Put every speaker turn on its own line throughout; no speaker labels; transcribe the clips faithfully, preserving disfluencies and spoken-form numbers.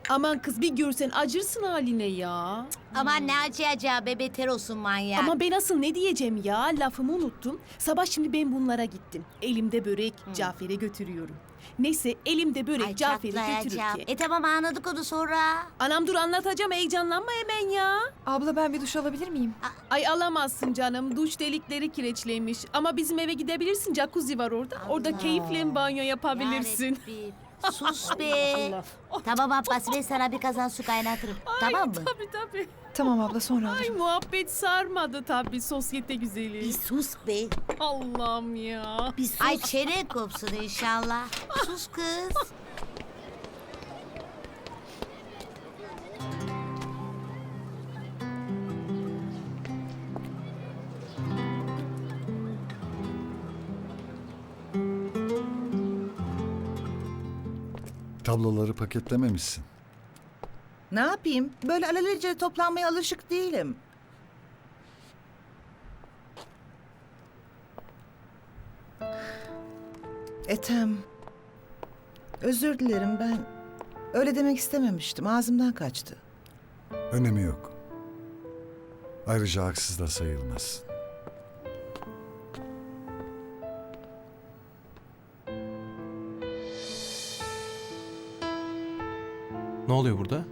Aman kız bir görsen acırsın haline ya.
Aman ne acıyacağı be, beter olsun manyak.
Ama ben asıl ne diyeceğim ya, lafımı unuttum. Sabah şimdi ben bunlara gittim. Elimde börek, Cafer'e götürüyorum. Neyse elimde börek
Ay
Cafer'e
çatlayacağım.
götürürken.
E tamam, anladık onu sonra.
Anam dur anlatacağım, heyecanlanma hemen ya.
Abla ben bir duş alabilir miyim?
Ay alamazsın canım, duş delikleri kireçliymiş. Ama bizim eve gidebilirsin, jacuzzi var orada. Orada keyifle banyo yapabilirsin.
Yarabbim. Sus be. Tamam Abbas, ben sana bir kazan su kaynatırım. tamam mı?
Tabii tabii.
Tamam abla sonra
Ay
alırım.
muhabbet sarmadı tabii, sosyete güzeli.
Bir sus be.
Allah'ım ya.
Bir sus. Ay çene kopsun inşallah. Sus kız.
Tabloları paketlememişsin.
Ne yapayım? Böyle alelacele toplanmaya alışık değilim. Ethem. Özür dilerim, ben öyle demek istememiştim. Ağzımdan kaçtı.
Önemi yok. Ayrıca haksız da sayılmaz.
Ne oluyor burada?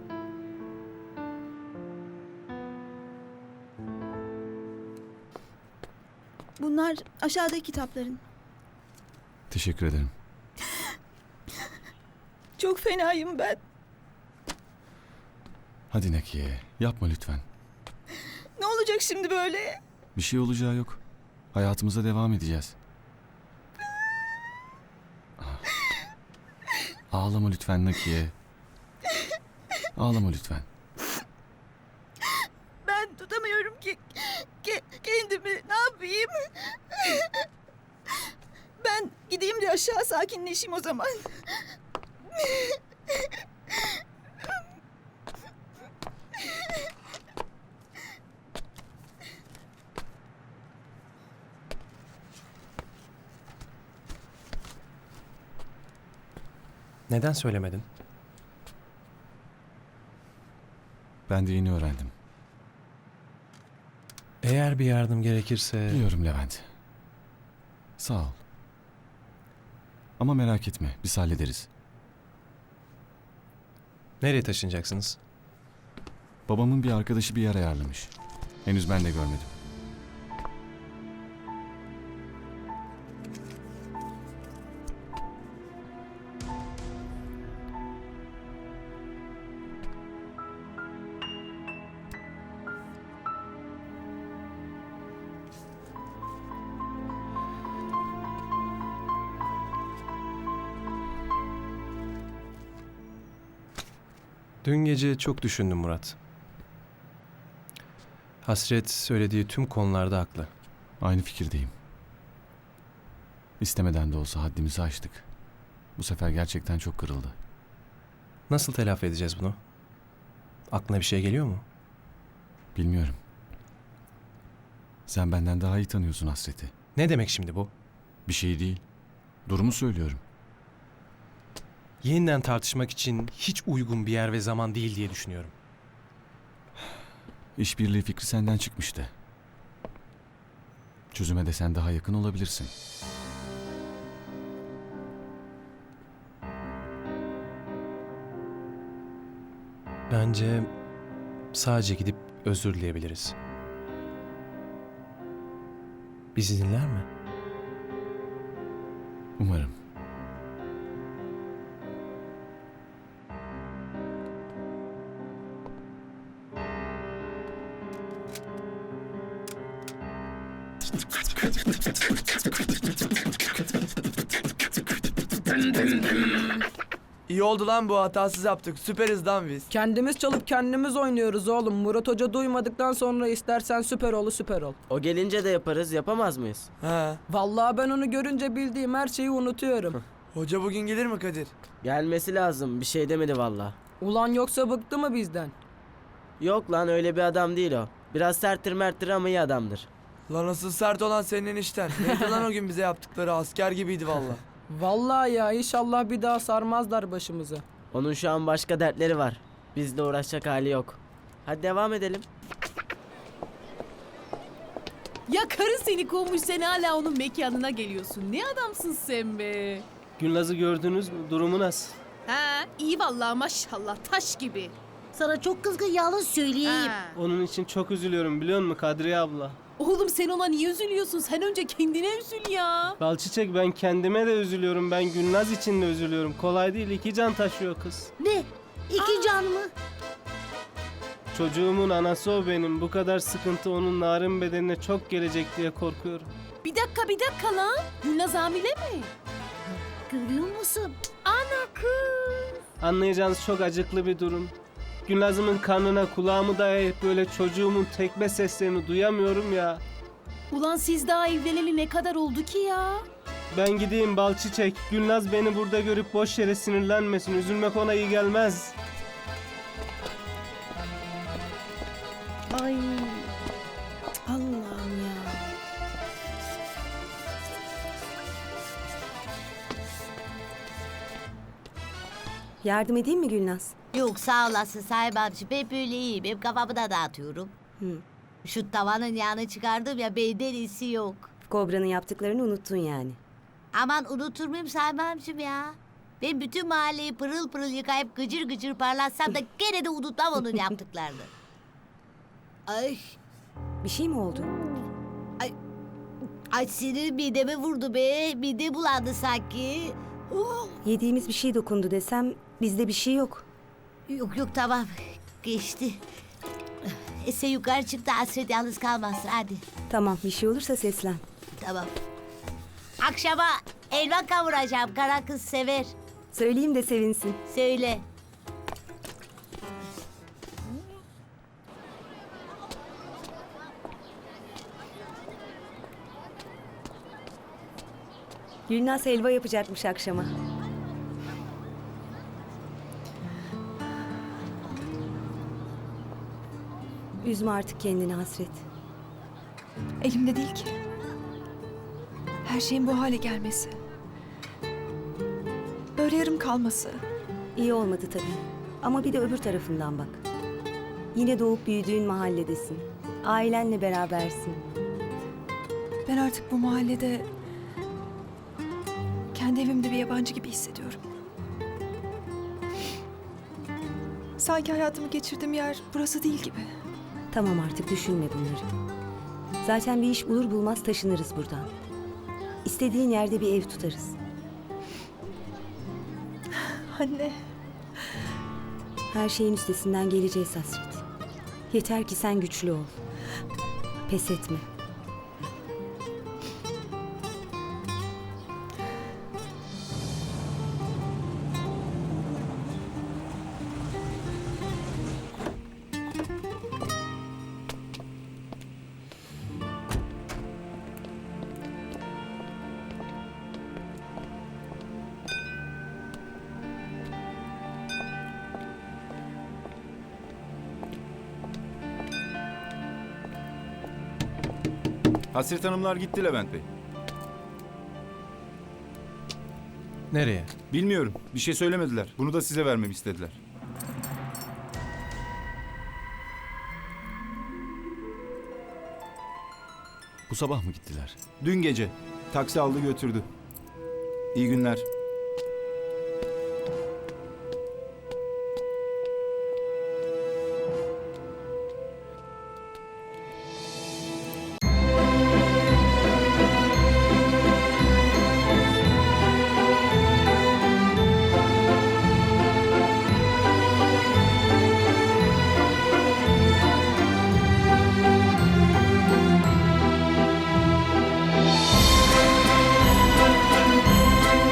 Bunlar aşağıdaki kitapların.
Teşekkür ederim.
Çok fenayım ben.
Hadi Nakiye, yapma lütfen.
Ne olacak şimdi böyle?
Bir şey olacağı yok. Hayatımıza devam edeceğiz. Ah. Ağlama lütfen Nakiye. Ağlama lütfen.
Ben tutamıyorum ki ke- kendimi. Ne yapayım? Ben gideyim de aşağı sakinleşeyim o zaman.
Neden söylemedin?
Ben de yeni öğrendim.
Eğer bir yardım gerekirse...
Biliyorum Levent. Sağ ol. Ama merak etme, biz hallederiz.
Nereye taşınacaksınız?
Babamın bir arkadaşı bir yer ayarlamış. Henüz ben de görmedim.
Dün gece çok düşündüm Murat. Hasret söylediği tüm konularda haklı.
Aynı fikirdeyim. İstemeden de olsa haddimizi aştık. Bu sefer gerçekten çok kırıldı.
Nasıl telafi edeceğiz bunu? Aklına bir şey geliyor mu?
Bilmiyorum. Sen benden daha iyi tanıyorsun Hasret'i.
Ne demek şimdi bu?
Bir şey değil. Durumu söylüyorum.
Yeniden tartışmak için hiç uygun bir yer ve zaman değil diye düşünüyorum.
İşbirliği fikri senden çıkmıştı. Çözüme de sen daha yakın olabilirsin.
Bence sadece gidip özür dileyebiliriz. Bizi dinler mi?
Umarım.
İyi oldu lan bu, hatasız yaptık. Süperiz lan biz.
Kendimiz çalıp kendimiz oynuyoruz oğlum. Murat Hoca duymadıktan sonra istersen süper ol süper ol.
O gelince de yaparız, yapamaz mıyız?
He.
Vallahi ben onu görünce bildiğim her şeyi unutuyorum.
Hoca bugün gelir mi Kadir?
Gelmesi lazım, bir şey demedi valla.
Ulan yoksa bıktı mı bizden?
Yok lan, öyle bir adam değil o. Biraz serttir merttir ama iyi adamdır.
Lan asıl sert olan senin enişten. Neydi lan o gün bize yaptıkları, asker gibiydi valla.
Vallahi ya inşallah bir daha sarmazlar başımıza.
Onun şu an başka dertleri var. Bizle uğraşacak hali yok. Hadi devam edelim.
Ya karın seni kovmuş, sen hala onun mekanına geliyorsun. Ne adamsın sen be.
Gülnaz'ı gördünüz mü? Durumu nasıl?
Ha, iyi vallahi maşallah, taş gibi.
Sana çok kızgın, yalnız söyleyeyim.
Ha.
Onun için çok üzülüyorum biliyor musun Kadriye abla?
Oğlum sen ona niye üzülüyorsun? Sen önce kendine üzül ya.
Balçiçek ben kendime de üzülüyorum. Ben Gülnaz için de üzülüyorum. Kolay değil, iki can taşıyor kız.
Ne? İki can mı?
Çocuğumun anası o benim. Bu kadar sıkıntı onun narin bedenine çok gelecek diye korkuyorum.
Bir dakika bir dakika lan. Gülnaz hamile mi?
Görüyor musun?
Ana kız.
Anlayacağınız çok acıklı bir durum. Gülnaz'ımın karnına kulağımı dayayıp böyle çocuğumun tekme seslerini duyamıyorum ya.
Ulan siz daha evleneli ne kadar oldu ki ya?
Ben gideyim Balçiçek. Gülnaz beni burada görüp boş yere sinirlenmesin. Üzülmek ona iyi gelmez.
Ay. Allah'ım ya.
Yardım edeyim mi Gülnaz?
Yok sağ olasın Sahip amca. Ben böyle iyiyim. Hep kafamı da dağıtıyorum.
Hı.
Şu tavanın yağını çıkardım ya, benden iyisi yok.
Kobra'nın yaptıklarını unuttun yani.
Aman unutur muyum Sahip amcım ya? Ben bütün mahalleyi pırıl pırıl yıkayıp gıcır gıcır parlatsam da gene de unutmam onun yaptıklarını. Ay,
Bir şey mi oldu?
ay sinir mideme vurdu be. Mide bulandı sanki. Oh.
Yediğimiz bir şey dokundu desem bizde bir şey yok.
Yok yok tamam, geçti. E sen yukarı çık da Hasret yalnız kalmasın hadi.
Tamam, bir şey olursa seslen.
Tamam. Akşama elma kavuracağım, kara kız sever.
Söyleyeyim de sevinsin.
Söyle.
Gülnaz helva yapacakmış akşama. Üzme artık kendini Hasret.
Elimde değil ki. Her şeyin bu hale gelmesi. Böyle yarım kalması.
İyi olmadı tabii. Ama bir de öbür tarafından bak. Yine doğup büyüdüğün mahalledesin. Ailenle berabersin.
Ben artık bu mahallede kendi evimde bir yabancı gibi hissediyorum. Sanki hayatımı geçirdiğim yer burası değil gibi.
Tamam artık düşünme bunları. Zaten bir iş bulur bulmaz taşınırız buradan. İstediğin yerde bir ev tutarız.
Anne.
Her şeyin üstesinden geleceğiz Hasret. Yeter ki sen güçlü ol. Pes etme.
Hasret Hanımlar gitti Levent Bey.
Nereye?
Bilmiyorum. Bir şey söylemediler. Bunu da size vermemi istediler.
Bu sabah mı gittiler?
Dün gece taksi aldı götürdü. İyi günler.